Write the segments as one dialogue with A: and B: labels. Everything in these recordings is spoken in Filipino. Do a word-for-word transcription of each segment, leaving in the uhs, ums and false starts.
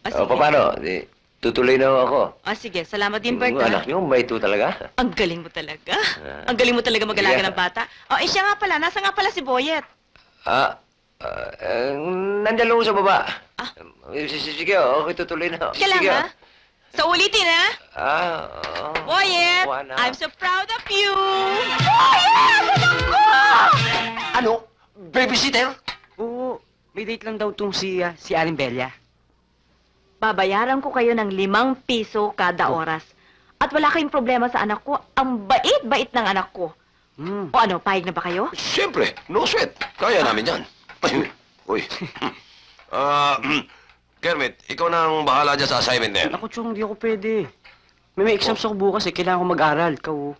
A: Ah,
B: O,
A: sige.
B: paano? Di, tutuloy na ho ako.
A: Ah, sige. Salamat din, Bert,
B: Yung
A: ah.
B: anak niyo, mabait ho talaga.
A: Ang galing mo talaga.
B: Ah.
A: Ang galing mo talaga mag-alaga
B: Yeah.
A: ng bata. Oh, eh siya nga pala. Nasa nga pala si Boyet?
B: Ah, ah, eh, nandyan lang ho sa baba.
A: Ah.
B: Eh, s- s- Sige, okay, tutuloy na. ho.
A: Sige lang,
B: Sige,
A: ha? So, ulitin, ha?
B: Ah, oh,
A: Boyet,
B: wala.
A: I'm so proud of you! Boyet! Anak ko!
C: Ano? Babysitter?
D: Oo, may date lang daw tong si, ah, si Aling Bella.
A: Babayaran ko kayo ng limang piso kada oras. At wala kayong problema sa anak ko. Ang bait-bait ng anak ko.
D: Hmm.
A: O ano, payag na ba kayo?
C: Siyempre, no sweat. Kaya namin yan. Uy. Ah, Kermit, ikaw na ang bahala dyan sa assignment na yan.
D: Ako, Chong, di ako pwede. May may exams ako bukas eh. Kailangan ko mag-aral. Ikaw, oh.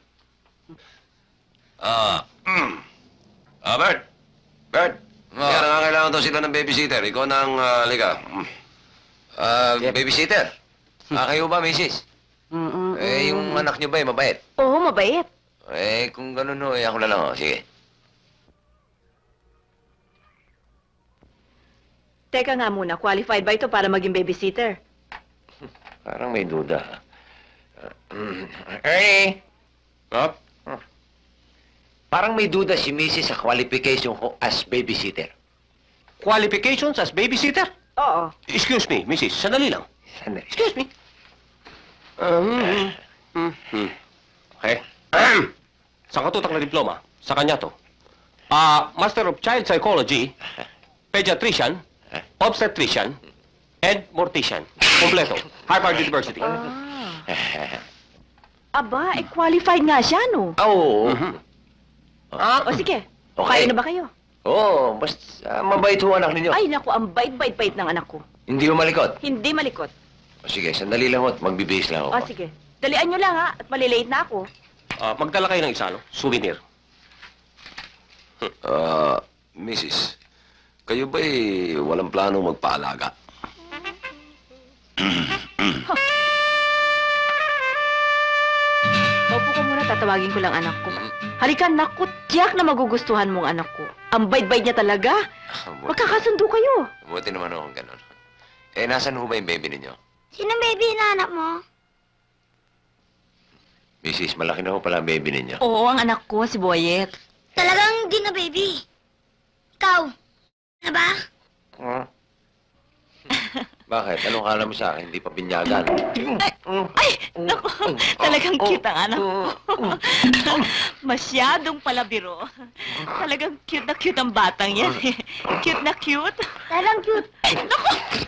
C: Ah, mm. Ah, Bert. Bert.
B: Ah.
C: Kaya nangangailangan daw sila ng babysitter. Ikaw na ang, ah, halika. Mm. Ah,
D: Yep.
C: babysitter. Ah, kayo ba, missis?
D: Mm, mm,
B: Eh,
D: mm.
B: yung anak niyo ba, eh, mabait?
A: Oo, mabait.
B: Eh, kung ganun ho, eh, ako na lang, ho. Sige.
A: Teka nga muna, qualified ba ito para maging babysitter?
B: Parang may duda. Uh, Ernie!
C: Ah?
B: Parang may duda si Missus sa qualification ko as babysitter.
C: Qualifications as babysitter?
A: Oo.
C: Excuse me, missis. Sandali lang.
B: Sandali.
C: Excuse me. Um, mm, mm. Okay. Sa katutak na diploma, sa kanya to. Ah, Master of Child Psychology, Pediatrician, Obstetrician, and Mortician. Kompleto. Harvard University.
A: Ah. Aba, eh, qualified nga siya, no?
B: Ah, oo.
C: Mhm. Ah,
A: O sige,
B: Okay.
A: kaya na ba kayo?
B: Oo, basta ah, mabait ho anak ninyo.
A: Ay, naku, ang bait-bait-bait ng anak ko.
B: Hindi ho malikot.
A: Hindi malikot.
B: O, sige, sandali lang ho at magbibihis lang
A: O
B: ako.
A: sige, dalian nyo lang, ha? At malilate na ako.
C: ah, magdala kayo ng isa, no? Souvenir. Ah, missis, kayo ba'y walang plano magpaalaga?
A: Opo ka muna, tatawagin ko lang anak ko. Halika, naku, tiyak na magugustuhan mong anak ko. Ang bait-bait niya talaga.
B: Buti,
A: Magkakasundo kayo.
B: buti naman ho kung ganun. Eh, nasan ho ba yung baby ninyo?
E: Sino baby inaanap mo?
B: Missus, malaki na ho pala ang baby ninyo.
A: Oo, ang anak ko, si Boyet.
E: Talagang di na baby. Ikaw, na ba?
B: Huh? Bakit? Anong kala mo sa akin? Hindi pa binyagan.
A: Ay, naku, talagang cute ang anak ko. Masyadong palabiro. Talagang cute na cute ang batang yan. eh. Cute na cute.
E: Talagang cute.
A: Naku!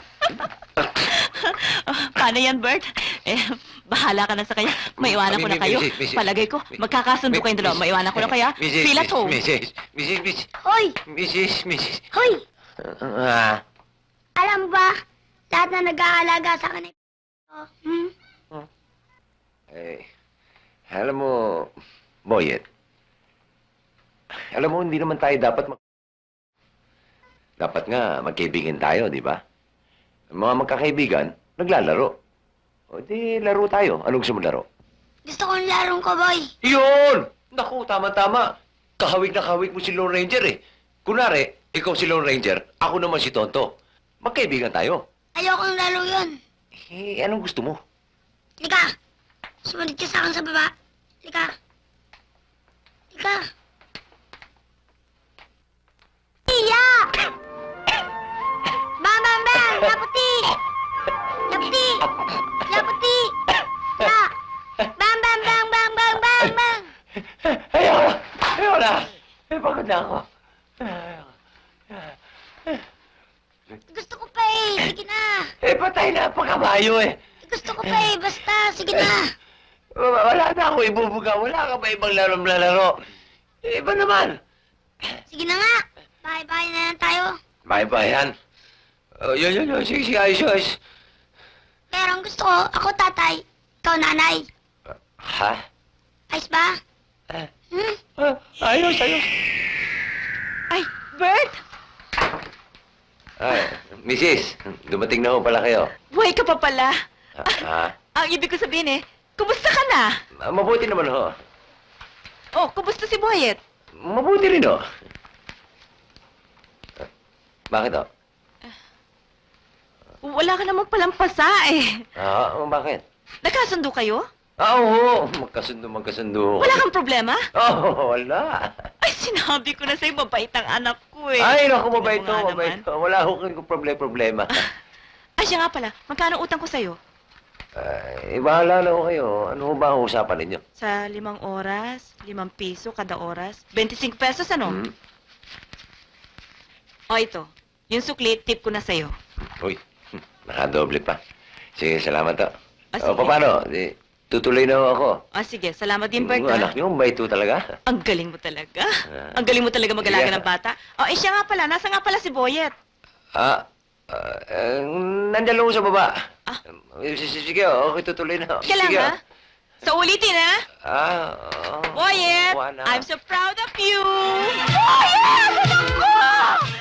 A: Paano yan, Bert? Eh, bahala ka na sa kanya. Maiwanan ko na kayo.
B: Missus, Missus.
A: Palagay ko, magkakasundo kayong dalawa. Maiwanan ko na kaya.
B: Missus,
A: Feel at home.
B: Missus, Missus, Missus,
E: Hoy!
B: Missus, Missus.
E: Hoy!
B: Ah,
E: Alam ba, lahat na nag-aalaga sa kanila. Hmm?
B: eh, alam mo, Boyet, alam mo, hindi naman tayo dapat mag... Dapat nga, magkaibigan tayo, di ba? Ang mga magkakaibigan, naglalaro. O di, laro tayo. Anong gusto mo laro?
E: Gusto kong larong cowboy.
B: Yun! Naku, tama-tama. Kahawig na kahawig mo si Lone Ranger eh. Kunwari, ikaw si Lone Ranger, ako naman si Tonto. Magkaibigan tayo.
E: Ayokong laro yun.
B: Eh, anong gusto mo?
E: Lika! Sumunod ka sa akin sa baba. Lika! Lika! Iya! Bang, bang, bang! Laputi! Laputi! Laputi! La! Bang, bang, bang, bang, bang, bang, bang!
B: Ayoko na! Ayoko na! Eh, pagod na ako.
E: Gusto ko pa eh! Sige na!
B: Eh, patay na ang pagkabayo eh.
E: Gusto ko pa eh! Basta! Sige na!
B: Wala na ako ibubuga. Wala ka ba ibang laro-laro? Eh, iba naman.
E: Sige na nga! Bye-bye na lang tayo.
B: Bye-bye, yan. Oh, yun, yun, yun. Sige, sige, ayos, ayos.
E: Pero ang gusto ko, ako tatay, ikaw nanay.
B: Ha?
E: Ayos ba?
B: Ah,
E: Hmm?
B: ah, ayos, ayos.
A: Ay, Bert!
B: Ay, Missus, dumating na ho pala kayo.
A: Buhay ka pa pala.
B: Ah,
A: Ang ibig ko sabihin eh, kumusta ka na?
B: ah, mabuti naman ho.
A: Oh, kumusta si Boyet?
B: Mabuti rin ho. Bakit ho?
A: Wala ka namang palang pasa eh.
B: Ah, bakit?
A: Nagkasundo kayo?
B: Ah, oo. Magkasundo, magkasundo.
A: Wala kang problema?
B: Oo, wala.
A: Ay, sinabi ko na sa'yo, mabait ang anak ko eh.
B: Ay, naku,
A: Tingnan
B: mabait
A: mo
B: to,
A: nga
B: mabait
A: naman.
B: to. Wala akong problema-problema.
A: Ay, siya nga pala, magkano utang ko sa'yo?
B: Ay, bahala na ko kayo. Ano ba ang usapan ninyo?
A: Sa limang oras, limang piso kada oras, twenty-five pesos ano?
B: Hmm?
A: O ito, yung sukli, tip ko na sa'yo.
B: Uy, nakadoble pa. Sige, salamat to.
A: Ah,
B: O,
A: sige.
B: paano? Di, tutuloy na ho ako.
A: Ah, sige, salamat din, Bert.
B: Yung
A: ah.
B: anak niyo, mabait to talaga.
A: Ang galing mo talaga.
B: Ah.
A: Ang galing mo talaga mag-alaga
B: Sige.
A: ng bata. O, eh siya nga pala, nasa nga pala si Boyet.
B: Ah, ah, eh, nandyan lang ho sa baba.
A: Ah.
B: Eh, s- s- Sige, okay, tutuloy na. ho.
A: Sige lang,
B: Sige,
A: ha? Sa ulitin, ha?
B: Ah, oh,
A: Boyet,
B: kuha na.
A: I'm so proud of you! Boyet! Anak ko!